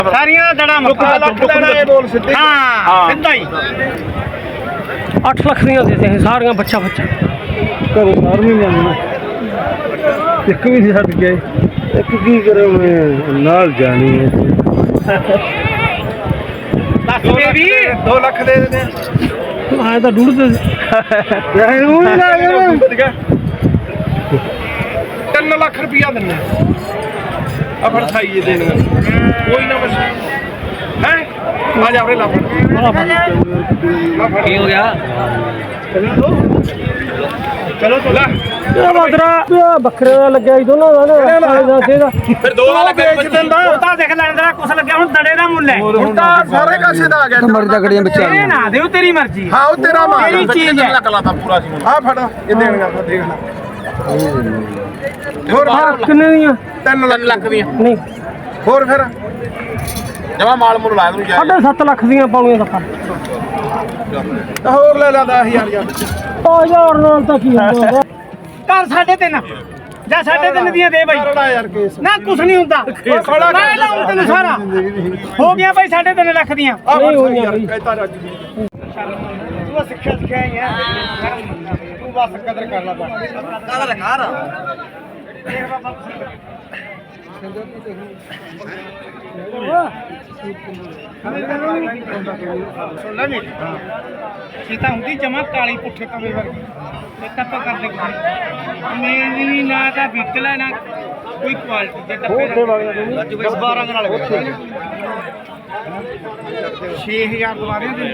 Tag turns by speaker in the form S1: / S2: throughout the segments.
S1: ਸਾਰੀਆਂ ਦੜਾ ਮੱਕਾ ਲੱਖ ਲੈਣਾ ਇਹ ਬੋਲ ਸਿੱਧੇ ਹਾਂ ਸਿੱਧਾ ਹੀ
S2: 8 ਲੱਖ ਦੀਆਂ ਦੇ ਦੇ ਸਾਰੀਆਂ ਬੱਚਾ
S3: ਘਰੋਂ ਸਾਰ ਨਹੀਂ ਮੰਨਣਾ ਇੱਕ ਵੀ ਨਹੀਂ ਛੱਡ ਗਏ ਇੱਕ ਕੀ ਕਰੇ ਮੈਂ ਨਾਲ ਜਾਣੀ ਹੈ
S1: ਦੱਸ ਦੇ ਵੀ 2 ਲੱਖ ਦੇ ਦੇ
S2: ਆਏ ਤਾਂ ਡੂੜ ਤੇ
S3: ਯਾਰ ਉਹ ਵੀ ਲਾ ਗਿਆ
S1: 3 ਲੱਖ ਰੁਪਇਆ ਦਿੰਨੇ ਆ ਫੜ ਖਾਈਏ ਦੇਣ ਕੋਈ ਨਾ ਬਸ ਹੈ ਆ ਜਾ ਆਪਣੇ ਲੱਭ
S2: ਕੀ ਹੋ ਗਿਆ
S1: ਚਲੋ ਚਲਾ
S2: ਇਹ ਬਾਦਰਾ ਬੱਕਰੇ ਦਾ ਲੱਗਿਆ ਸੀ ਦੋਨਾਂ ਦਾ
S1: ਫਿਰ 2 ਲੱਖ ਵੇਚ ਦਿੰਦਾ ਉਹ ਤਾਂ ਦੇਖ ਲੈਣ ਦਾ ਕੁਛ ਲੱਗਿਆ ਹੁਣ ਦੜੇ ਦਾ ਮੁੱਲ ਹੈ ਹੁਣ ਤਾਂ ਸਾਰੇ ਕਾਸੇ ਦਾ ਆ ਗਿਆ
S3: ਮਰ ਜਗੜੀਆਂ ਬੱਚਾ
S1: ਇਹ ਨਾ ਦਿਓ ਤੇਰੀ ਮਰਜ਼ੀ ਹਾਂ ਉਹ ਤੇਰਾ ਮਾਲ ਤੇਰੀ ਚੀਜ਼ ਹੈ ਲੱਖ ਲਾਤਾ ਪੂਰਾ ਸੀ ਆ ਫੜ ਇਹ ਦੇਣਗਾ ਫਿਰ ਦੇਖ ਲੈ ਹੋਰ
S2: ਕਿੰਨੇ ਦੀਆਂ
S1: 3 ਲੱਖ ਦੀਆਂ
S2: ਨਹੀਂ
S1: ਹੋਰ ਫਿਰ ਜਮਾ ਮਾਲ ਮੁੱਲ ਲਾ ਦੂੰ ਜਾ
S2: 7.5 ਲੱਖ ਦੀਆਂ ਪਾਉਣੀਆਂ ਤਾਂ
S1: ਤਾਂ ਹੋਰ ਲੈ ਲਾ 10000 ਯਾਰ
S2: 1000 ਨਾਲ ਤਾਂ ਕੀ ਹੁੰਦਾ
S1: ਘਰ 3.5 ਜਾਂ 3.5 ਦੀਆਂ ਦੇ ਬਾਈ ਯਾਰ ਕੇਸ ਨਾ ਕੁਛ ਨਹੀਂ ਹੁੰਦਾ ਮੈਂ ਲਾਉਂ ਤੈਨੂੰ ਸਾਰਾ ਹੋ ਗਿਆ ਬਾਈ 3.5 ਲੱਖ ਦੀਆਂ
S2: ਨਹੀਂ ਹੋਈਆਂ ਬਈ
S1: ਕਹਿਤਾ ਰੱਜ ਤੂੰ ਸਿੱਖਿਆ ਹੀ ਹੈ ਤੂੰ ਬਸ ਕਦਰ ਕਰ ਲੈ ਕਾਹਦਾ ਲਗਾ ਰਾ ਸੀਤਾ ਹੁੰਦੀ ਜਮਾ ਕਾਲੀ ਪੁੱਠੇ ਕਮੇ ਵਰਗੀ ਇਹ ਤਾਂ ਆਪਾਂ ਕਰਦੇ ਮੇਰੀ ਨਾ ਤਾਂ ਵਿਕਲਾ ਨਾ ਕੋਈ ਕੁਆਲਿਟੀ ਦੇ ਟੱਪੇ 12 ਦੇ ਨਾਲ 6000 ਦਵਾਰਿਆਂ ਦੇ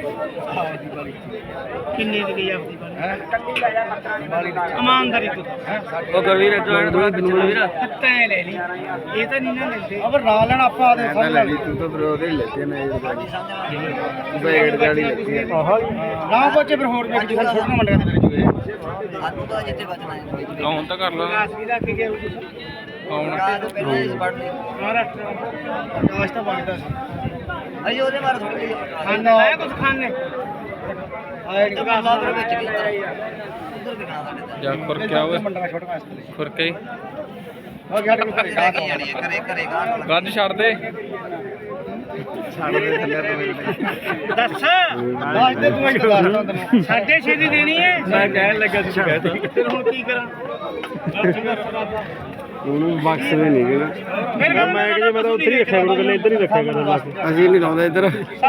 S1: ਕਿੰਨੇ ਦੀ ਗਈ ਆਪਦੀ ਬਾਲੀ ਇਮਾਨਦਾਰੀ ਤੋਂ
S2: ਉਹ ਗਰਵੀਰ ਥੋੜਾ ਬਿਨੂ ਵੀਰ
S1: ਤੈਂ ਲੈ ਲਈ ਇਹ ਤਾਂ ਨਹੀਂ ਨਾ ਲੈਂਦੇ ਅਬ ਰਾ ਲੈਣ ਆਪਾਂ ਆਦੇ ਸਮਝ ਲੈ ਲਈ
S3: ਤੂੰ ਤਾਂ ਫਿਰ ਉਹਦੇ ਲੱਗੇ ਨੇ ਬੈਡ ਗਾੜੀ ਲੱਗੀ ਹੈ
S1: ਨਾ ਪਹੁੰਚੇ ਫਿਰ ਹੋਰ ਵੇਖ ਜੀ ਹੁਣ ਛੋਟੀਆਂ ਮੰਡੀਆਂ ਦੇ ਵਿੱਚ ਜੂਏ
S4: ਸਾਨੂੰ ਤਾਂ ਜਿੱਥੇ ਬਚਣਾ ਹੈ
S2: ਹੁਣ ਤਾਂ ਕਰ ਲਾ
S1: ਆਕਾਸ਼ ਵੀ ਰੱਖ ਕੇ
S2: ਕੌਣ
S4: ਤੋਂ ਪਹਿਲਾਂ ਇਸ ਵੜ ਲਈ
S1: ਮਹਾਰਾਸ਼ਟਰ ਆਕਾਸ਼ ਤਾਂ ਵਗਦਾ ਸੀ
S4: ਅਜੇ ਉਹਦੇ ਬਾਰੇ ਥੋੜੀ ਜਿਹੀ
S1: ਖਾਣੇ ਆਇਆ ਕੁਝ ਖਾਣੇ ਆਇਆ ਨਹੀਂ
S4: ਪਤਾ ਉਧਰ ਵਿੱਚ ਵੀ ਉਧਰ ਵੀ ਨਾ ਸਾਡੇ
S2: ਜਾ ਫੁਰ ਕੇ ਆਵੇ
S1: ਮੰਡਾ ਛੋਟਾ ਵਾਸਤੇ
S2: ਫੁਰ ਕੇ
S1: ਹੋ ਗਿਆ ਤੇ ਕਰੇ
S4: ਤਾਂ ਕੀ ਜਾਣੀ ਹੈ ਕਰੇ ਕਰੇ ਗਾਂ
S2: ਗੱਜ ਛੱਡ ਦੇ
S3: ਛੱਡ ਦੇ ਥੱਲੇ ਤੋਂ
S1: ਦੱਸ ਦੱਸ ਦੇ ਤੂੰ ਇੱਕ ਦੱਸ ਤੈਨੂੰ 6.5 ਦੀ ਦੇਣੀ ਹੈ
S2: ਮੈਂ ਕਹਿਣ ਲੱਗਾ ਸੀ ਕਹਿ
S1: ਫਿਰ ਹੁਣ ਕੀ ਕਰਾਂ
S3: ਉਹਨੂੰ ਬਕਸ ਦੇ ਨਹੀਂ ਗਏ
S1: ਫਿਰ
S3: ਮੈਂ ਕਿ ਮੈਂ ਤਾਂ ਉੱਥੇ ਹੀ ਰੱਖਿਆ ਕਰੂੰ ਇੱਧਰ ਹੀ ਰੱਖਿਆ ਕਰੂੰ ਬਸ ਅਸੀਂ ਨਹੀਂ ਲਾਉਂਦੇ ਇੱਧਰ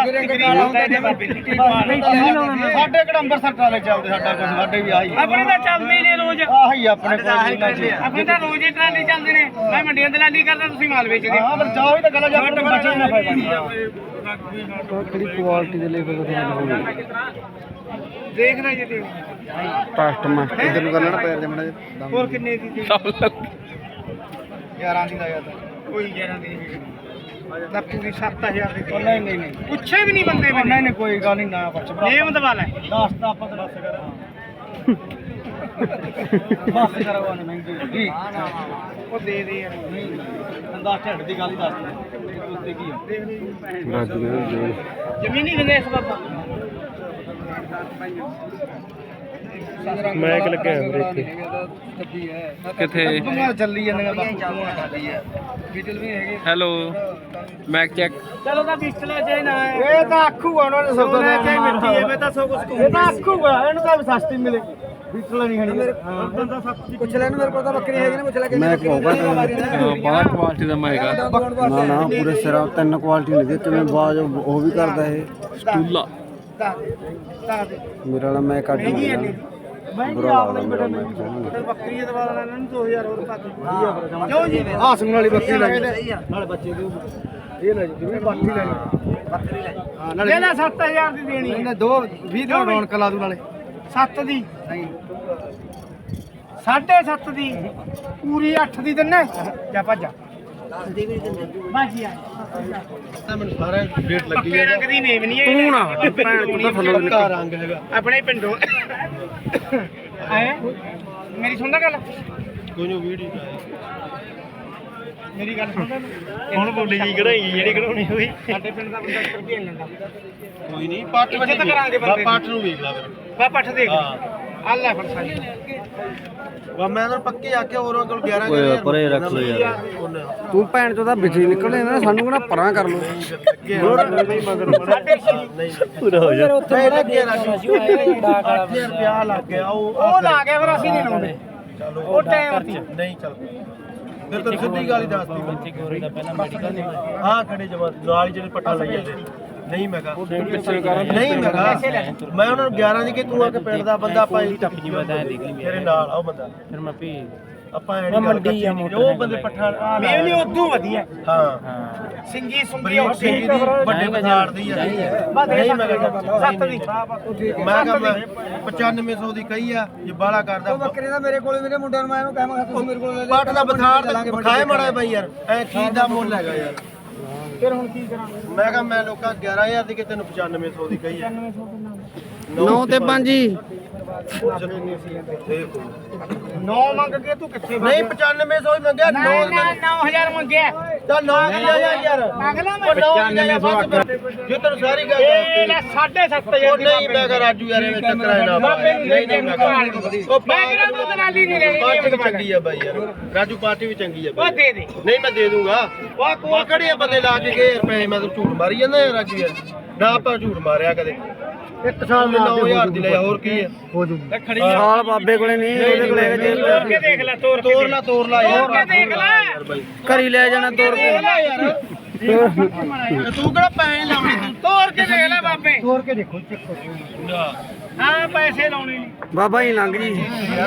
S1: ਸਾਡੇ ਕਿਹੜਾ ਅੰਮ੍ਰਿਤਸਰ ਟਰਾਲੇ ਚੱਲਦੇ ਸਾਡਾ ਕੁਝ ਸਾਡੇ ਵੀ ਆਹੀ ਆਪਣੇ ਤਾਂ ਚੱਲਦੇ ਹੀ ਨੇ ਰੋਜ਼ ਆਹੀ ਆਪਣੇ ਕੋਲ ਆਪਣੇ ਤਾਂ ਰੋਜ਼ ਹੀ ਟਰਾਲੇ ਚੱਲਦੇ ਨੇ ਮੈਂ ਮੰਡੀਆਂ ਦਲਾਲੀ ਕਰਦਾ ਤੁਸੀਂ ਮਾਲ ਵੇਚਦੇ ਹਾਂ ਫਿਰ ਜਾਓ ਹੀ ਤਾਂ ਗੱਲ ਜਾ ਬਚੇ ਨਾ
S3: ਕਿਹੜੀ ਕੁਆਲਿਟੀ ਦੇ ਲੈਵਲ ਤੇ ਹੋਣੀ
S1: ਦੇਖਣਾ ਜੀ ਦੇਖ
S3: ਕਸਟਮਰ ਇਧਰ ਨੂੰ ਕਰ ਲੈਣਾ ਪੈਰ ਦੇ ਮੜਾ
S1: ਹੋਰ ਕਿੰਨੇ ਦੀ 11 ਦੀ ਲਾਇਆ ਤਾਂ ਕੋਈ 11 ਦੀ ਨਹੀਂ ਤਾਂ ਪੂਰੀ 7000 ਦੀ ਨਹੀਂ ਨਹੀਂ ਨਹੀਂ ਪੁੱਛੇ ਵੀ ਨਹੀਂ ਬੰਦੇ ਨਹੀਂ ਨਹੀਂ ਕੋਈ ਗੱਲ ਨਹੀਂ ਨਾ ਪੁੱਛ ਨੇਮ ਦਵਾ ਲੈ 10 ਤਾਂ ਆਪਾਂ ਤਾਂ ਦੱਸ ਕਰ ਬਸ ਕਰਵਾ ਨੇ ਮਹਿੰਗੀ ਜੀ ਉਹ ਦੇ ਦੇ ਯਾਰ ਨਹੀਂ ਬੰਦਾ ਢਿੱਡ ਦੀ ਗੱਲ ਹੀ ਦੱਸ ਦੇ ਉੱਤੇ ਕੀ ਆ ਜ਼ਮੀਨੀ ਦਿੰਦੇ ਇਸ ਬਾਬਾ
S3: ਮੈਂ ਕਿ ਲੱਗਿਆ ਇੱਥੇ
S2: ਕਿੱਥੇ
S1: ਚੱਲੀ ਜਾਂਦੀਆਂ ਬਾਕੀ ਬੀਟਲ ਵੀ ਹੈਗੇ
S2: ਹੈਲੋ ਮੈਕ ਚੈੱਕ
S1: ਚਲੋ ਤਾਂ ਪਿਸਟਲ ਜੇ ਨਾ ਇਹ ਤਾਂ ਆਖੂਗਾ ਉਹਨਾਂ ਨੇ ਸਭ ਲੈ ਕੇ ਮਿੱਟੀ ਹੈ ਮੈਂ ਤਾਂ ਸਭ ਕੁਝ ਇਹ ਤਾਂ ਆਖੂਗਾ ਇਹਨੂੰ ਤਾਂ ਸਸਤੀ ਮਿਲੇਗੀ ਬੀਟਲ ਨਹੀਂ ਖਣੀ ਬੰਦਾ ਸਸਤੀ
S4: ਪੁੱਛ ਲੈਣ ਮੇਰੇ ਕੋਲ ਤਾਂ ਬੱਕਰੀ ਹੈਗੀ ਨਾ ਪੁੱਛ ਲੈ
S3: ਮੈਂ ਕਹੂੰਗਾ
S2: ਬਾਹਰ ਕੁਆਲਿਟੀ ਦਾ ਮੈਗਾ
S3: ਨਾ ਨਾ ਪੂਰੇ ਸਿਰਾ 3 ਕੁਆਲਿਟੀ ਨਹੀਂ ਦੇ ਕਿਵੇਂ ਬਾਜ ਉਹ ਵੀ ਕਰਦਾ ਇਹ
S2: ਸਟੂਲਾ
S3: ਮੇਰਾ ਵਾਲਾ ਮੈਂ ਕੱਢ ਨਹੀਂ
S1: ਮਹਿੰਗੀ ਆਪਣੀ ਬੇਟੇ ਬੱਕਰੀ ਦੇ ਦਵਾ ਲੈਣਾ ਨੂੰ 2000 ਹੋਰ ਪਾ ਦੇ ਕਿਉਂ ਜੀ ਹਾਸਮ ਵਾਲੀ ਬੱਕਰੀ ਲੈ ਨਾਲੇ ਬੱਚੇ ਦੇ ਇਹ ਲੈ ਜੀ ਬੱਕਰੀ ਲੈ
S4: ਬੱਕਰੀ ਲੈ
S1: ਹਾਂ ਨਾਲੇ ਲੈ 7000 ਦੀ ਦੇਣੀ ਇਹਨੇ 20 ਦੀ ਰੌਣਕ ਲਾ ਦੂ ਨਾਲੇ 7 ਦੀ ਨਹੀਂ 7.5 ਦੀ ਪੂਰੀ 8 ਦੀ ਦਿੰਨੇ ਜਾ ਭੱਜ
S4: 10 ਦੀ ਵੀ ਨਹੀਂ ਦਿੰਦੇ
S1: ਬਾਜੀ ਆ
S3: ਮੈਨੂੰ ਸਾਰਾ ਡੇਟ ਲੱਗੀ
S1: ਪੱਕੇ ਰੰਗ ਦੀ ਨੇਮ ਨਹੀਂ ਹੈ
S3: ਤੂੰ ਨਾ ਭੈਣ ਤੂੰ ਤਾਂ ਥੱਲੋਂ
S1: ਪੱਕਾ ਰੰਗ ਹੈਗਾ ਆਪਣੇ ਪਿੰਡੋਂ ਆਏ ਮੇਰੀ ਸੁਣਦਾ ਗੱਲ
S3: ਕੋਈ ਨਹੀਂ ਵੀਡੀਓ
S1: ਮੇਰੀ ਗੱਲ ਸੁਣਦਾ
S3: ਹੁਣ ਬੋਲੀ ਜੀ ਕਢਾਈ ਜਿਹੜੀ ਕਢਾਉਣੀ ਹੋਈ
S1: ਸਾਡੇ ਪਿੰਡ ਦਾ ਬੰਦਾ ਰੁਪਏ ਲੈਂਦਾ
S3: ਕੋਈ ਨਹੀਂ ਪੱਟ
S1: ਇੱਜ਼ਤ ਕਰਾਂਗੇ ਬੰਦੇ
S3: ਪੱਟ ਨੂੰ ਵੇਖ ਲਾ ਫਿਰ
S1: ਬਾ ਪੱਠ ਦੇਖ ਆ ਲੈ ਫਿਰ ਸਾਈ
S3: ਵਾ ਮੈਂ ਤਾਂ ਪੱਕੇ ਆਖਿਆ ਹੋਰਾਂ ਕੋਲ 11
S2: ਓਏ ਪਰੇ ਰੱਖ ਲੋ ਯਾਰ
S4: ਤੂੰ ਭੈਣ ਚੋਂ ਤਾਂ ਵਿੱਚ ਹੀ ਨਿਕਲੇ ਨਾ ਸਾਨੂੰ ਕਿਹੜਾ ਪਰਾਂ ਕਰ ਲੋ
S2: ਪੂਰਾ ਹੋ ਜਾ
S3: ਉੱਥੇ ਲੱਗੇ ਰੁਪਿਆ ਲੱਗ ਗਿਆ ਉਹ
S1: ਲਾ ਕੇ ਫਿਰ ਅਸੀਂ ਨਹੀਂ ਲਾਉਂਦੇ
S3: ਚਲੋ
S1: ਉਹ ਟਾਈਮ
S3: ਨਹੀਂ ਚੱਲ ਫਿਰ ਤਾਂ ਸਿੱਧੀ ਗੱਲ ਹੀ ਦੱਸਦੀ ਮੈਂ ਗੋਰੇ ਦਾ ਪਹਿਲਾਂ ਮੈਡੀਕਲ ਹਾਂ ਖੜੇ ਜਮਾ ਨਾਲ ਹੀ ਜਿਹੜੇ ਪੱਟਾ ਲਈ ਜਾਂਦੇ ਨਹੀਂ ਮੈਂ ਕਹਾ ਨਹੀਂ ਮੈਂ ਕਹਾ ਮੈਂ ਉਹਨਾਂ ਨੂੰ 11 ਦੀ ਕਿ ਤੂੰ ਆ ਕੇ ਪਿੰਡ ਦਾ ਬੰਦਾ ਆਪਾਂ ਇਹ ਟੱਪ ਜੀ ਮੈਂ ਤਾਂ ਦੇਖ ਲਈ ਮੇਰੇ ਨਾਲ ਆਓ ਬੰਦਾ ਫਿਰ ਮੈਂ ਭੀ ਆਪਾਂ ਐਂ ਮੰਡੀ ਆ ਉਹ ਬੰਦੇ ਪੱਠਾ
S1: ਮੈਂ ਨਹੀਂ ਉਦੋਂ ਵਧੀਆ
S3: ਹਾਂ
S1: ਸਿੰਗੀ ਸੁੰਗੀ
S3: ਬੜੀ
S1: ਉੱਥੇ
S3: ਦੀ ਵੱਡੇ ਬਾਜ਼ਾਰ ਦੀ ਆ ਨਹੀਂ ਮੈਂ ਕਹਾ
S1: ਸੱਤ ਦੀ
S3: ਮੈਂ ਕਹਾ 9500 ਦੀ ਕਹੀ ਆ ਜੇ ਬਾਲਾ ਕਰਦਾ
S4: ਬੱਕਰੀ ਦਾ ਮੇਰੇ ਕੋਲ ਮੇਰੇ ਮੁੰਡਿਆਂ ਨੂੰ ਮੈਂ ਇਹਨੂੰ ਕਹਾਂ ਤੁਸੀਂ ਮੇਰੇ ਕੋਲ ਲੈ
S3: ਪੱਟ ਦਾ ਬਥਾੜ ਖਾਏ ਮੜਾ ਬਾਈ ਯਾਰ ਐ ਚੀਜ਼ ਦਾ ਮੁੱਲ ਹੈਗਾ ਯਾਰ
S1: ਫਿਰ ਹੁਣ ਕੀ ਕਰਾਂ
S3: ਮੈਂ ਕਹਾ ਮੈਂ ਲੋਕਾਂ 11000 ਦੀ ਕਿ ਤੈਨੂੰ 9500 ਦੀ ਕਹੀ ਆ
S4: 9 ਤੇ 5 ਜੀ
S1: ਨੌ ਮੰਗ ਕੇ ਤੂੰ ਕਿੱਥੇ
S3: ਨਹੀਂ 9500 ਹੀ ਮੰਗਿਆ 9
S1: 9000 ਮੰਗਿਆ
S3: ਤਾਂ 9 ਯਾਰ
S1: ਮੰਗ ਲਾ
S3: ਉਹ 9500 ਜੇ ਤੈਨੂੰ ਸਾਰੀ ਗੱਲ
S1: ਇਹ ਲੈ 7.5
S3: ਉਹ ਨਹੀਂ ਮੈਂ ਕਹਾ ਰਾਜੂ ਯਾਰ ਇਹ ਚੱਕਰ ਹੈ ਨਾ ਨਹੀਂ ਮੈਂ ਕਹਾ ਉਹ
S1: ਮੈਂ ਕਿਹੜਾ ਤੂੰ ਦਲਾਲੀ ਨਹੀਂ ਲੈਣੀ
S3: ਪਾਰਟੀ ਵੀ ਚੰਗੀ ਆ ਬਾਈ ਯਾਰ ਰਾਜੂ ਪਾਰਟੀ ਵੀ ਚੰਗੀ ਆ
S1: ਉਹ
S3: ਬਾਈ
S1: ਦੇ ਦੇ
S3: ਨਹੀਂ ਮੈਂ ਦੇ ਦੂੰਗਾ ਉਹ ਕੋਲ ਕਿਹੜੇ ਬੰਦੇ ਲਾ ਕੇ ਗਏ ਰੁਪਏ ਮੈਂ ਤਾਂ ਝੂਠ ਮਾਰੀ ਜਾਂਦਾ ਯਾਰ ਰਾਜੂ ਯਾਰ ਨਾ ਆਪਾਂ ਝੂਠ ਮਾਰਿਆ ਕਦੇ ਇੱਕ ਸਾਲ ਦੇ 9000 ਦੀ ਲਿਆ ਹੋਰ ਕੀ ਹੈ ਹੋ ਜੂ
S4: ਸਾਲ ਬਾਬੇ ਕੋਲੇ ਨਹੀਂ ਉਹਦੇ ਕੋਲੇ
S1: ਤੋੜ ਕੇ ਦੇਖ ਲੈ ਤੋੜ ਕੇ
S3: ਤੋਰ ਲਾ ਯਾਰ
S1: ਤੋੜ ਕੇ ਦੇਖ ਲੈ
S4: ਘਰੀ ਲੈ ਜਾਣਾ ਤੋੜ ਕੇ
S3: ਯਾਰ ਤੂੰ ਕਿਹੜਾ ਪੈਸੇ ਲਾਉਣੇ ਤੂੰ
S1: ਤੋੜ ਕੇ ਦੇਖ ਲੈ ਬਾਬੇ
S3: ਤੋਰ ਕੇ ਦੇਖੋ ਚੱਕੋ
S1: ਹਾਂ ਪੈਸੇ ਲਾਉਣੇ ਨਹੀਂ
S4: ਬਾਬਾ ਹੀ ਲੰਘ ਜੀ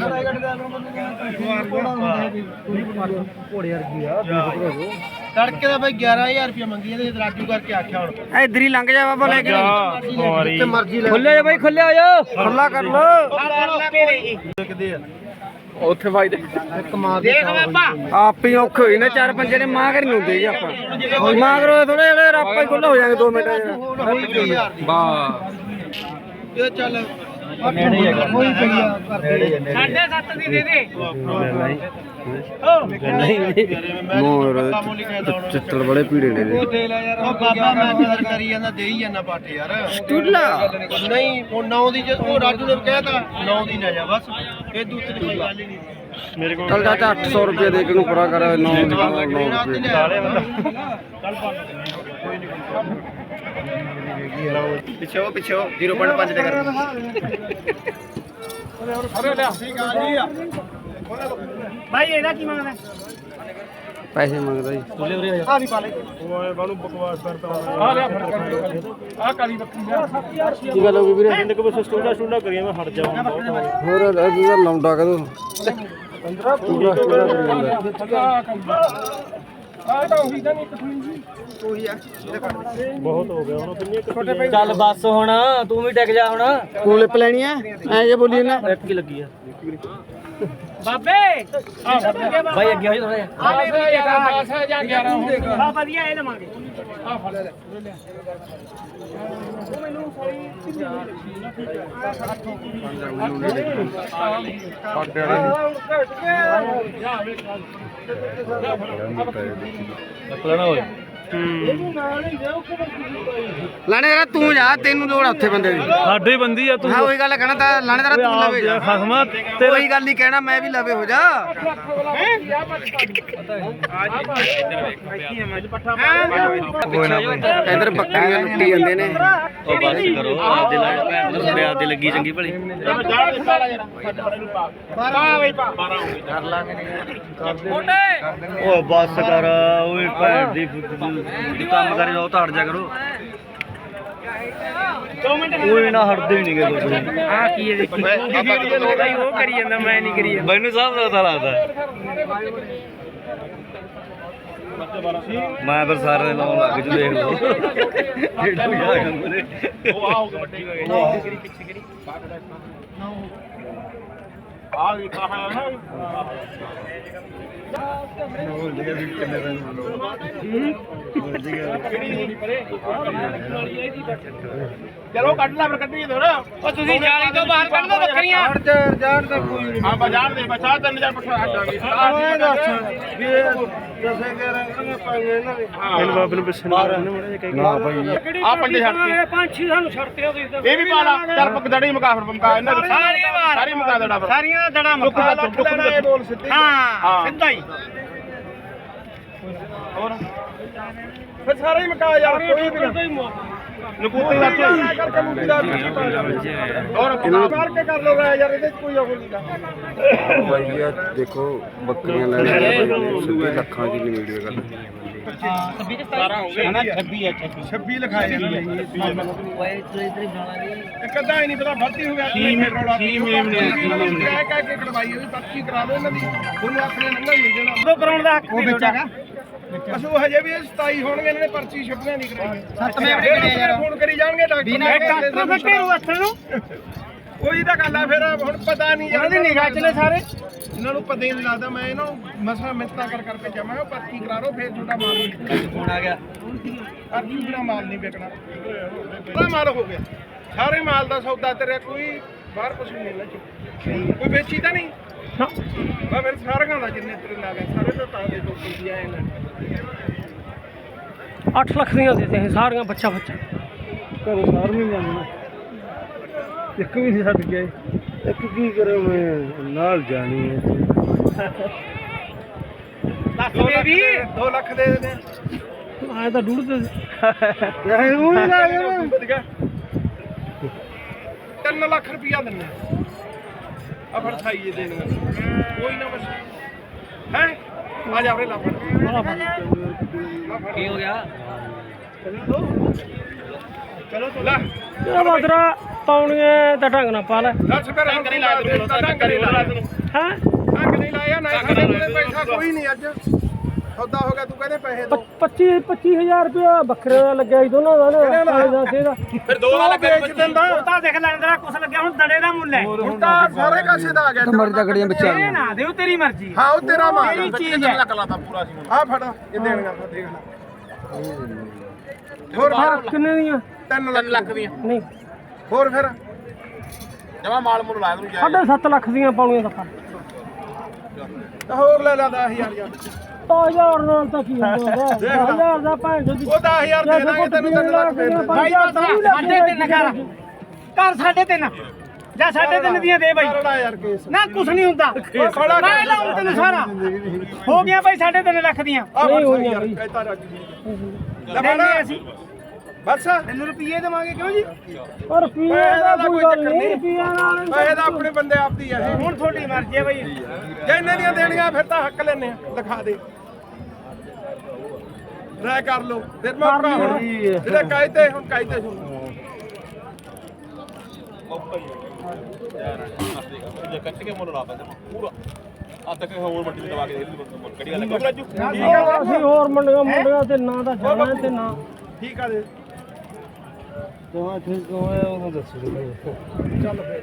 S3: ਤੜਕੇ ਦਾ ਬਾਈ 11000 ਰੁਪਏ ਮੰਗੀ ਇਹਦੇ ਰਾਜੂ ਕਰਕੇ ਆਖਿਆ ਹੁਣ
S4: ਇੱਧਰ ਹੀ ਲੰਘ ਜਾ ਬਾਬਾ ਲੈ ਕੇ
S3: ਜਿੱਥੇ ਮਰਜ਼ੀ ਲੈ
S2: ਖੁੱਲੇ ਜਾ ਬਾਈ ਖੁੱਲੇ ਹੋ ਜਾ
S4: ਖੁੱਲਾ ਕਰ ਲੋ
S1: ਤੇਰੇ ਜੀ
S3: ਕਿਦੇ ਆ
S2: ਉੱਥੇ ਬਾਈ ਦੇ
S1: ਦੇਖ ਬਾਬਾ
S4: ਆਪ ਹੀ ਔਖੇ ਹੋਈ ਨਾ ਚਾਰ ਪੰਜੇ ਨੇ ਮਾਂ ਕਰੀ ਹੁੰਦੇ ਜੀ ਆਪਾਂ ਮਾਂ ਕਰੋ ਥੋੜੇ ਜਿਹੜੇ ਆਪਾਂ ਹੀ ਖੁੱਲਾ ਹੋ ਜਾਾਂਗੇ 2 ਮਿੰਟ
S3: ਇਹ ਚੱਲ
S2: ਨੇੜੇ ਹੀ ਹੈਗਾ।
S3: ਕੋਈ ਪਈ ਆ ਨੇੜੇ
S1: 7.5 ਦੀ ਦੇ ਦੇ
S4: ਚਿੱਤੜ ਬੜੇ ਪੀੜੇ ਨੇ
S3: ਉਹ ਬਾਬਾ ਮੈਂ ਕਦਰ ਕਰੀ ਜਾਂਦਾ ਦੇ ਹੀ ਜਾਂਦਾ ਪਾਟੇ ਯਾਰ
S4: ਸਟੂਲਾ
S3: ਨਹੀਂ ਉਹ 9 ਦੀ ਉਹ ਰਾਜੂ ਨੇ ਕਹਿਤਾ 9 ਦੀ ਲੈ ਜਾ ਬਸ ਇਹ ਦੂਸਰੀ ਕੋਈ ਗੱਲ ਹੀ ਨਹੀਂ ਮੇਰੇ ਕੋਲ
S4: ਚੱਲ ਚਾਚਾ 800 ਰੁਪਏ ਦੇ ਕੇ ਨੂੰ ਪੂਰਾ ਕਰ 9
S3: ਪਿੱਛੇ 0.5 ਤੇ ਕਰ
S1: ਭਾਈ ਇਹਦਾ ਕੀ ਮੰਗਦਾ
S4: ਪੈਸੇ ਮੰਗਦਾ ਜੀ
S1: ਆ ਵੀ ਪਾ ਲੈ
S3: ਆ ਲਿਆ ਆ ਕਾਲੀ ਬੱਕਰੀ
S4: ਕੀ ਗੱਲ ਹੋ ਗਈ ਵੀਰੇ
S3: ਇਹਨੇ ਕੋ ਬਸ ਸਟੂਡਾ ਕਰੀਏ ਮੈਂ ਹਟ ਜਾਵਾਂ
S4: ਹੋਰ ਇਹਦਾ ਲੌਂਡਾ ਕਦੋਂ 15 ਪੂਰਾ ਕਰੀ ਜਾਂਦਾ
S3: ਬਹੁਤ ਹੋ ਗਿਆ ਹੁਣ ਕਿੰਨੀ
S2: ਚੱਲ ਬੱਸ ਹੁਣ ਤੂੰ ਵੀ ਟਿਕ ਜਾ ਹੁਣ
S4: ਕੋਲੇ ਪਲੈਣੀ ਐ ਐ ਜੇ ਬੋਲੀ ਨਾ
S2: ਇੱਕ ਹੀ ਲੱਗੀ ਆ
S1: ਬਾਬੇ
S2: ਬਾਈ ਅੱਗੇ ਹੋ ਜਾ ਥੋੜਾ ਜਿਹਾ
S1: ਆ ਵਧੀਆ ਇਹ ਲਵਾਂਗੇ ਆ ਫੜ ਲੈ
S2: ਲੈਣਾ ਹੋਏ
S4: ਲਾਣੇ ਯਾਰ ਤੂੰ ਜਾ ਤੈਨੂੰ ਲੋੜ ਆ ਉੱਥੇ ਬੰਦੇ ਦੀ
S2: ਸਾਡੇ ਬੰਦੀ ਆ ਤੂੰ
S4: ਹਾਂ ਉਹੀ ਗੱਲ ਕਹਿਣਾ ਤਾਂ ਲਾਣੇ ਤੇਰਾ ਤੂੰ ਲਵੇ ਜਾ
S2: ਖਸਮਾ
S4: ਕੋਈ ਗੱਲ ਨਹੀਂ ਕਹਿਣਾ ਮੈਂ ਵੀ ਲਵੇ ਹੋ ਜਾ ਇਧਰ ਬੱਕਰੀਆਂ ਲੁੱਟੀ ਜਾਂਦੇ ਨੇ
S2: ਉਹ ਬੱਸ ਕਰੋ ਆਪਦੇ ਲਾਈਨ ਭੈਣ ਦੇ ਮੇਰੇ ਆਪਦੇ ਲੱਗੀ ਚੰਗੀ ਭਲੀ ਉਹ ਬੱਸ ਕਰ ਓਏ ਭੈਣ ਦੀ ਕੰਮ ਕਰੇ ਉਹ ਤਾਂ ਹਟ ਜਾ ਕਰੋ
S1: 2 ਮਿੰਟ
S2: ਕੋਈ ਨਾ ਹਟਦੇ ਨਹੀਂ ਗਏ ਕੁਝ
S1: ਆ ਕੀ ਹੈ ਦੇਖੀ ਭਾਈ ਉਹ ਕਰੀ ਜਾਂਦਾ ਮੈਂ ਨਹੀਂ ਕਰੀ ਜਾਂਦਾ
S2: ਮੈਨੂੰ ਸਭ ਦਾ ਪਤਾ ਲੱਗਦਾ ਮੈਂ ਫਿਰ ਸਾਰੇ ਲਾਉਣ ਲੱਗ ਜੂ ਦੇਖ ਲਓ ਜਿਹੜਾ ਵੀ ਆ ਗੰਦੇ
S3: ਉਹ ਆਉਗਾ ਵੱਡੀ ਪਿੱਛੇ ਕਰੀ ਆ ਗਈ ਕਹਾ ਨਾ ਚਲੋ ਕੱਢ ਲੈ ਫਿਰ ਕੱਢੀਏ ਥੋੜਾ
S1: ਉਹ ਤੁਸੀਂ ਜਾਲੀ ਤੋਂ ਬਾਹਰ ਕੱਢ ਦੋ ਬੱਕਰੀਆਂ
S3: ਜਾਣ ਦਾ ਕੋਈ ਹਾਂ ਬਾਜ਼ਾਰ ਦੇ ਬਚਾ 3000 ਪਠਾ ਹਟਾਂਗੇ ਆਹ ਦੱਸ ਵੀ ਦੱਸੇ ਕੇ ਰੰਗਾਂਗੇ ਪਾਈਏ ਇਹਨਾਂ ਦੇ ਹਾਂ ਬਾਬੇ ਨੂੰ ਪਿੱਛੇ ਨਾ ਭਾਈ ਆ ਪੰਜੇ ਛੱਡ ਕੇ
S1: 5-6 ਸਾਨੂੰ ਛੱਡਤੇ ਹੋ ਤੁਸੀਂ ਤਾਂ
S3: ਇਹ ਵੀ ਪਾ ਲਾ ਚੱਲ ਪਕਦੜੀ ਮੁਕਾ ਫਿਰ ਮੁਕਾ ਇਹਨਾਂ ਦੀ
S1: ਸਾਰੀ ਵਾਰ
S3: ਸਾਰੀ ਮੁਕਾ ਦੇਣਾ ਫਿਰ
S1: ਸਾਰੀਆਂ ਦਾ ਦੜਾ ਮੱਕਾ
S3: ਲੱਖ ਲੈਣਾ ਇਹ ਬੋਲ ਸਿੱਧੀ
S1: ਹਾਂ ਸਿੱਧਾ ਹੀ
S3: ਹੋਰ ਫਿਰ ਸਾਰੇ ਹੀ ਮਕਾ ਯਾਰ ਕੋਈ ਵੀ ਨਕੂਤੀ ਦਾ ਕਰਕੇ ਮੁੱਕੀ ਦਾ ਹੋਰ ਕਰਕੇ ਕਰ ਲੋ ਯਾਰ ਇਹਦੇ ਚ ਕੋਈ ਉਹ ਨਹੀਂ ਦਾ
S4: ਬਾਈ ਆ ਦੇਖੋ ਬੱਕਰੀਆਂ ਲੈ ਰਹੇ ਸਿੱਧੇ ਲੱਖਾਂ ਦੀ ਵੀਡੀਓ ਕਰ
S3: 26 ਲਿਖਾਏ ਜਾਂਦੇ ਇੱਕ ਅੱਧਾ ਹੀ ਨਹੀਂ ਪਤਾ ਭਰਤੀ ਹੋ ਗਿਆ ਕੀ ਮੇਮ ਨੇ ਕਹਿ ਕੇ ਕਢਵਾਈ ਉਹ ਪਰਚੀ ਕਰਾ ਲਓ ਇਹਨਾਂ ਦੀ ਉਹਨੂੰ ਆਪਣੇ ਨੰਗਾ ਮਿਲ ਜਾਣਾ
S1: ਉਦੋਂ ਕਰਾਉਣ ਦਾ ਹੱਕ ਨਹੀਂ ਬੱਚਾ
S3: ਅਸੂ ਹਜੇ ਵੀ 27 ਹੋਣਗੇ ਇਹਨਾਂ ਨੇ ਪਰਚੀ ਛਪਣਾ ਨਹੀਂ ਕਰਾਈ
S1: 7 ਮਿੰਟ
S3: ਫੋਨ ਕਰੀ ਜਾਣਗੇ
S1: ਡਾਕਟਰ ਬੱਟੇ ਨੂੰ ਹੱਥ ਨੂੰ
S3: ਕੋਈ ਤਾਂ ਗੱਲ ਆ ਫਿਰ ਹੁਣ ਪਤਾ ਨਹੀਂ
S1: ਇਹਨਾਂ ਦੀ ਨਿਗਾਹ ਚ ਨੇ ਸਾਰੇ
S3: ਇਹਨਾਂ ਨੂੰ ਪਤਾ ਹੀ ਨਹੀਂ ਲੱਗਦਾ ਮੈਂ ਇਹਨਾਂ ਨੂੰ ਮਸਾ ਮਿੰਤਾ ਕਰ ਕਰਕੇ ਕਿਹਾ ਮੈਂ ਕਿਹਾ ਪਰਚੀ ਕਰਾ ਲਓ ਫਿਰ ਤੁਹਾਡਾ ਮਾਲ ਨਹੀਂ ਫੋਨ ਆ ਗਿਆ ਪਰਚੀ ਬਿਨਾ ਮਾਲ ਨਹੀਂ ਵਿਕਣਾ ਪੂਰਾ ਮਾਲ ਹੋ ਗਿਆ ਸਾਰੇ ਮਾਲ ਦਾ ਸੌਦਾ ਤੇਰੇ ਕੋਈ ਬਾਹਰ ਕੁਛ ਨਹੀਂ ਮਿਲਣਾ ਕੋਈ ਵੇਚੀ ਤਾਂ ਨਹੀਂ ਮੈਂ ਫਿਰ ਸਾਰਿਆਂ ਦਾ ਜਿੰਨੇ ਤੇਰੇ ਲਾ ਗਏ ਸਾਰੇ ਤਾਂ ਤਾਂ ਦੇ ਦੋ ਕੀ ਆਏ ਨੇ
S1: 8 ਲੱਖ ਦੀਆਂ ਦੇ ਤੇ ਸਾਰੀਆਂ ਬੱਚਾ
S3: ਘਰੋਂ ਸਾਰ ਨਹੀਂ ਜਾਣਾ ਇੱਕ ਵੀ ਨਹੀਂ ਛੱਡ ਗਿਆ ਇੱਕ ਕੀ ਕਰਾਂ ਮੈਂ ਨਾਲ ਜਾਣੀ ਹੈ
S1: ਲੱਖ ਦੇ ਵੀ
S3: 2 ਲੱਖ ਦੇ ਦੇ
S1: ਆਇਆ ਤਾਂ ਡੂੜ ਤੇ
S3: ਇਹ ਉਹ ਹੀ ਲਾ ਗਿਆ 3 ਲੱਖ ਰੁਪਇਆ ਦਿੰਨੇ ਆ ਫੜ ਖਾਈਏ ਦੇਣੀਆਂ ਕੋਈ ਨਾ ਬਸ ਹੈ ਆ ਜਾ ਉਰੇ ਲਾ ਫੜ
S1: ਕੀ ਹੋ ਗਿਆ
S3: ਚਲੋ ਲੈ
S1: ਬਾਦਰਾ ਪਾਉਣੀਆਂ ਤਾਂ ਢੰਗ ਨਾਲ ਪਾ ਲੈ
S3: ਦੱਸ ਫਿਰ ਢੰਗ ਨਹੀਂ ਲਾਇਆ ਤੈਨੂੰ ਢੰਗ ਨਹੀਂ ਲਾਇਆ ਤੈਨੂੰ
S1: ਹਾਂ
S3: ਢੰਗ ਨਹੀਂ ਲਾਇਆ ਨਾ ਸਾਡੇ ਕੋਲੇ ਪੈਸਾ ਕੋਈ ਨਹੀਂ ਅੱਜ ਸੌਦਾ ਹੋ ਗਿਆ ਤੂੰ ਕਹਿੰਦੇ ਪੈਸੇ ਦੋ
S1: 25000 ਰੁਪਇਆ ਬੱਕਰੇ ਦਾ ਲੱਗਿਆ ਸੀ ਦੋਨਾਂ ਦਾ ਨਾ
S3: ਫਿਰ 2 ਵਾਲਾ ਵੇਚ ਦਿੰਦਾ
S1: ਤਾਂ ਦੇਖ ਲੈਣ ਦਾ ਕੁਛ ਲੱਗਿਆ ਹੁਣ ਦੜੇ ਦਾ ਮੁੱਲ ਹੈ
S3: ਹੁਣ ਤਾਂ ਸਾਰੇ ਕਾਸੇ ਦਾ ਆ ਗਿਆ
S4: ਮਰ ਤਕੜੀਆਂ ਬੱਚਾ
S1: ਇਹ ਨਾ ਦਿਓ ਤੇਰੀ ਮਰਜ਼ੀ
S3: ਹਾਂ ਉਹ ਤੇਰਾ ਮਾਲ
S1: ਤੇਰੀ ਚੀਜ਼ ਹੈ
S3: ਆ ਫੜ ਇਹ ਦੇਣਗਾ ਫਿਰ ਦੇਖ ਲੈ ਹੋਰ
S1: ਕਿੰਨੇ ਦੀਆਂ
S3: 3 ਲੱਖ ਦੀਆਂ
S1: ਨਹੀਂ
S3: ਹੋਰ ਫਿਰ ਜਮਾ ਮਾਲ ਮੁੱਲ ਲਾਇਆ ਤੂੰ
S1: 7.5 ਲੱਖ ਦੀਆਂ ਪਾਉਣੀਆਂ ਤਾਂ
S3: ਤਾਂ ਹੋਰ ਲੈ ਲਾ 10000 ਯਾਰ
S1: 1000 ਨਾਲ ਤਾਂ ਕੀ ਹੁੰਦਾ 1000 ਦਾ ਭਾਂ
S3: ਉਹ 10000 ਦੇ ਦਾਂਗੇ ਤੈਨੂੰ 3 ਲੱਖ ਦੇ ਦਾਂਗੇ
S1: ਭਾਈ 3.5 ਕਰ 3.5 ਜਾਂ 3.5 ਦੀਆਂ ਦੇ ਬਾਈ
S3: ਕਰੜਾ ਯਾਰ ਕੇਸ
S1: ਨਾ ਕੁਛ ਨਹੀਂ ਹੁੰਦਾ ਮੈਂ ਲਾਉਂ ਤੈਨੂੰ ਸਾਰਾ ਹੋ ਗਿਆ ਬਾਈ 3.5 ਲੱਖ ਦੀਆਂ
S3: ਨਹੀਂ ਹੋਈਆਂ ਕਹਿਤਾ ਰੱਜ
S1: ਲੈਣੇ ਅਸੀਂ
S3: ਬਸ
S1: ਤੈਨੂੰ ਰੁਪਏ ਦੇਵਾਂਗੇ ਕਿਉਂ ਜੀ ਔਰ ਰੁਪਏ ਦਾ ਕੋਈ ਚੱਕਰ ਨਹੀਂ ਰੁਪਈਆ ਨਾਲ
S3: ਪੈਸੇ ਤਾਂ ਆਪਣੇ ਬੰਦੇ ਆਪਦੀ ਆ ਇਹ
S1: ਹੁਣ ਤੁਹਾਡੀ ਮਰਜ਼ੀ ਹੈ ਬਾਈ
S3: ਜੇ ਇੰਨੇ ਦੀਆਂ ਦੇਣੀਆਂ ਫਿਰ ਤਾਂ ਹੱਕ ਲੈਣੇ ਆ ਲਿਖਾ ਦੇ ਰਾਇ ਕਰ ਲਓ ਫਿਰ ਮੈਂ ਭਰਾ ਹੁਣ ਜਿਹੜੇ ਕਾਇਦੇ ਹੁਣ ਕਾਇਦੇ ਸੁਣ
S5: ਜੇ ਕੱਟ ਕੇ ਮੁੱਲ ਲਾ ਪੈਂਦਾ ਪੂਰਾ ਆ ਤੱਕ ਹੋਰ ਮੰਡੀ ਤੇ ਦਵਾ ਕੇ ਕੜੀ ਗੱਲ ਕਰ ਰਾਜੂ
S1: ਅਸੀਂ ਹੋਰ ਮੁੰਡਿਆਂ ਤੇ ਨਾਂ ਦਾ ਜਾਣਾ ਤੇ ਨਾਂ
S3: ਠੀਕ ਆ ਦੇ
S4: ਦੋਵਾਂ ਠੀਕ ਹੋਇਆ ਉਹਨੂੰ ਦੱਸੋ
S3: ਚੱਲ ਫਿਰ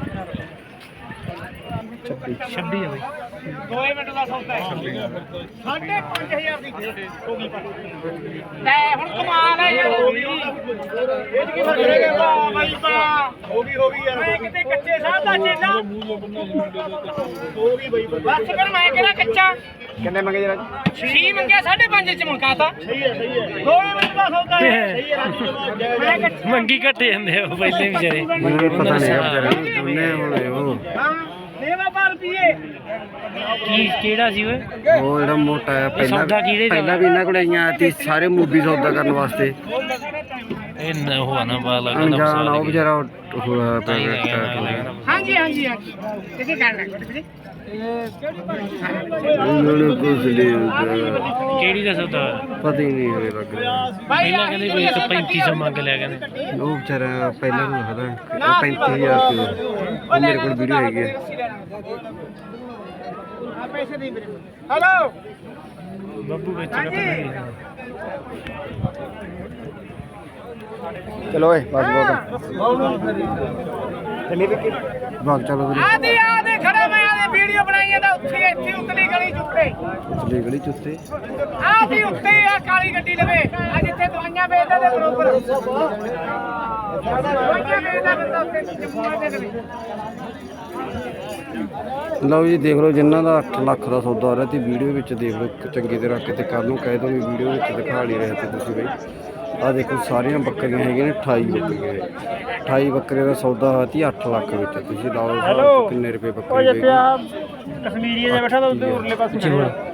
S1: 26 ਹੈ ਬਾਈ 2 ਮਿੰਟ ਦਾ ਸੌਦਾ ਹੈ 5.5000 ਦੀ ਹੋ ਗਈ ਲੈ ਹੁਣ ਕਮਾਲ ਹੈ ਯਾਰ ਇਹ ਕੀ ਫਰਕ ਹੈ ਬਾਈ ਬਾ
S3: ਹੋ ਗਈ ਯਾਰ
S1: ਮੈਂ ਕਿਤੇ ਕੱਚੇ ਸਾਹ ਦਾ ਚੇਲਾ
S3: ਹੋ ਗਈ ਬਈ
S1: ਬਸ ਕਰ ਮੈਂ ਕਿਹੜਾ ਕੱਚਾ
S4: ਕਿੰਨੇ ਮੰਗੇ ਜਰਾ
S1: 6 ਮੰਗਿਆ 5.5 ਚ ਮੁਕਾਤਾ ਸਹੀ ਹੈ 2 ਮਿੰਟ ਦਾ ਸੌਦਾ ਹੈ ਸਹੀ ਹੈ
S6: ਮੰਗੀ ਘੱਟੇ ਜਾਂਦੇ ਆ ਪਹਿਲੇ ਵਿਚਾਰੇ
S4: ਮੈਨੂੰ ਪਤਾ ਨਹੀਂ ਆ ਵਿਚਾਰੇ ਦੋਨੇ ਹੋਣੇ ਉਹ
S1: ਹਾਂ ਦੇਵਾ ਪਰ ਰੁਪਏ
S6: ਕਿਹੜਾ ਸੀ ਓਏ
S4: ਉਹ ਜਿਹੜਾ ਮੋਟਾ ਆ
S6: ਸੌਦਾ ਕਿਹੜੇ ਦਾ?
S4: ਪਹਿਲਾਂ ਵੀ ਇਹਨਾਂ ਕੋਲ ਆਈਆਂ ਸੀ ਸਾਰੇ ਮੂਵੀ ਸੌਦਾ ਕਰਨ ਵਾਸਤੇ
S6: ਇਹ ਨਾ ਹੋਆ ਨਾ ਪਾ ਲੱਗਦਾ
S4: ਅਣਜਾਣ ਆ ਉਹ ਵਿਚਾਰਾ ਹੋਇਆ ਪਿਆ
S1: ਹਾਂਜੀ ਹਾਂਜੀ ਹਾਂਜੀ ਤੇ ਕੀ ਕਰਨਾ ਵੀਰੇ
S4: ਉਹਨਾਂ ਨੂੰ ਕੁਝ ਨਹੀਂ ਹੁੰਦਾ।
S6: ਕਿਹੜੀ ਦਾ ਸੌਦਾ ਹੋਇਆ?
S4: ਪਤਾ ਹੀ ਨਹੀਂ ਹੋਵੇ ਲੱਗ ਰਿਹਾ
S6: ਪਹਿਲਾਂ ਕਹਿੰਦੇ ਕੋਈ 3500 ਮੰਗ ਲਿਆ ਕਹਿੰਦੇ
S4: ਉਹ ਵਿਚਾਰਾ ਪਹਿਲਾਂ ਨੂੰ ਹਦਾ 35000 ਰੁਪਏ ਉਹ ਮੇਰੇ ਕੋਲ ਵੀਡੀਓ ਹੈਗੀ ਹੈ
S1: ਪੈਸੇ ਦੇ ਮੇਰੇ ਹੈਲੋ
S6: ਬੱਬੂ ਵੇਚੇਗਾ ਪਤਾ ਨਹੀਂ
S4: ਚਲੋ ਓਏ ਬਸ ਬਹੁਤ ਭਾਗ ਚਲੋ ਵੀਰੇ
S1: ਆਦੇ ਖੜਾ ਮੈਂ ਆਦੇ ਵੀਡੀਓ ਬਣਾਈਏ ਤਾਂ ਉੱਥੇ ਇੱਥੇ ਉਤਲੀ ਗਲੀ ਚੁੱਕੇ
S4: ਚਲੇ ਗਲੀ ਚੁੱਤੇ
S1: ਆਦੀ ਉੱਤੇ ਆ ਕਾਲੀ ਗੱਡੀ ਲਵੇ ਆ ਜਿੱਥੇ ਦਵਾਈਆਂ ਵੇਚਦਾ ਦੇ ਬਰੋਬਰ ਦਵਾਈਆਂ ਵੇਚਦਾ ਬੰਦਾ ਉੱਤੇ ਜੰਮੂਆ ਦੇ ਲਵੇ
S4: ਲਓ ਜੀ ਦੇਖ ਲਓ ਜਿਨ੍ਹਾਂ ਦਾ 8 ਲੱਖ ਦਾ ਸੌਦਾ ਹੋ ਰਿਹਾ ਤੇ ਵੀਡੀਓ ਵਿੱਚ ਦੇਖ ਲਓ ਚੰਗੇ ਤੇ ਰੱਖ ਕੇ ਤੇ ਕੱਲ ਨੂੰ ਕਹਿ ਦੋ ਵੀ ਵੀਡੀਓ ਵਿੱਚ ਦਿਖਾ ਨਹੀਂ ਰਹੇ ਤੇ ਤੁਸੀਂ ਬਈ ਆ ਦੇਖੋ ਸਾਰੀਆਂ ਬੱਕਰੀਆਂ ਹੈਗੀਆਂ ਨੇ 28 ਬੱਕਰੀਆਂ 28 ਬੱਕਰੇ ਦਾ ਸੌਦਾ ਹੋਇਆ ਤੀ 8 ਲੱਖ ਵਿੱਚ ਤੁਸੀਂ ਲਾ ਲਓ ਕਿੰਨੇ ਰੁਪਏ ਬੱਕਰੀ ਦੇ
S1: ਕਸ਼ਮੀਰੀ ਜਿਹਾ ਬੈਠਾ ਤਾਂ ਉਧਰ ਉਰਲੇ ਪਾਸੇ